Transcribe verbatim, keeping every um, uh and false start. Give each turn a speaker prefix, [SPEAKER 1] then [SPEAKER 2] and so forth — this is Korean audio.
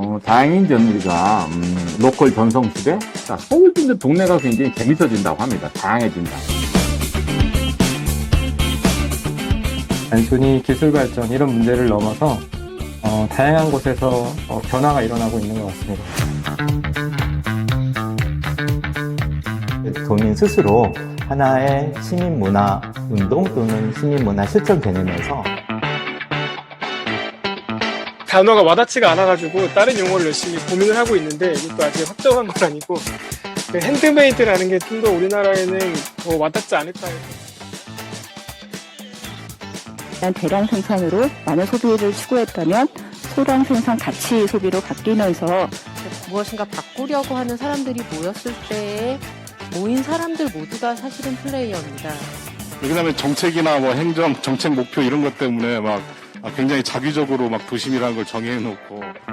[SPEAKER 1] 어, 다행인 점 우리가 음, 로컬 전성시대 자, 서울 분들 동네가 굉장히 재밌어진다고 합니다. 다양해진다.
[SPEAKER 2] 단순히 기술 발전 이런 문제를 넘어서 어, 다양한 곳에서 어, 변화가 일어나고 있는 것 같습니다.
[SPEAKER 3] 도민 스스로 하나의 시민문화 운동 또는 시민문화 실천 개념에서
[SPEAKER 4] 단어가 와닿지가 않아가지고 다른 용어를 열심히 고민을 하고 있는데 이것도 아직 확정한 건 아니고 그 핸드메이드라는 게 좀 더 우리나라에는 더 와닿지 않을까 해서.
[SPEAKER 5] 대량 생산으로 많은 소비를 추구했다면 소량 생산 가치 소비로 바뀌면서
[SPEAKER 6] 무엇인가 바꾸려고 하는 사람들이 모였을 때에 모인 사람들 모두가 사실은 플레이어입니다.
[SPEAKER 7] 그다음에 정책이나 뭐 행정, 정책 목표 이런 것 때문에 막 굉장히 자기적으로 막 도심이라는 걸 정해놓고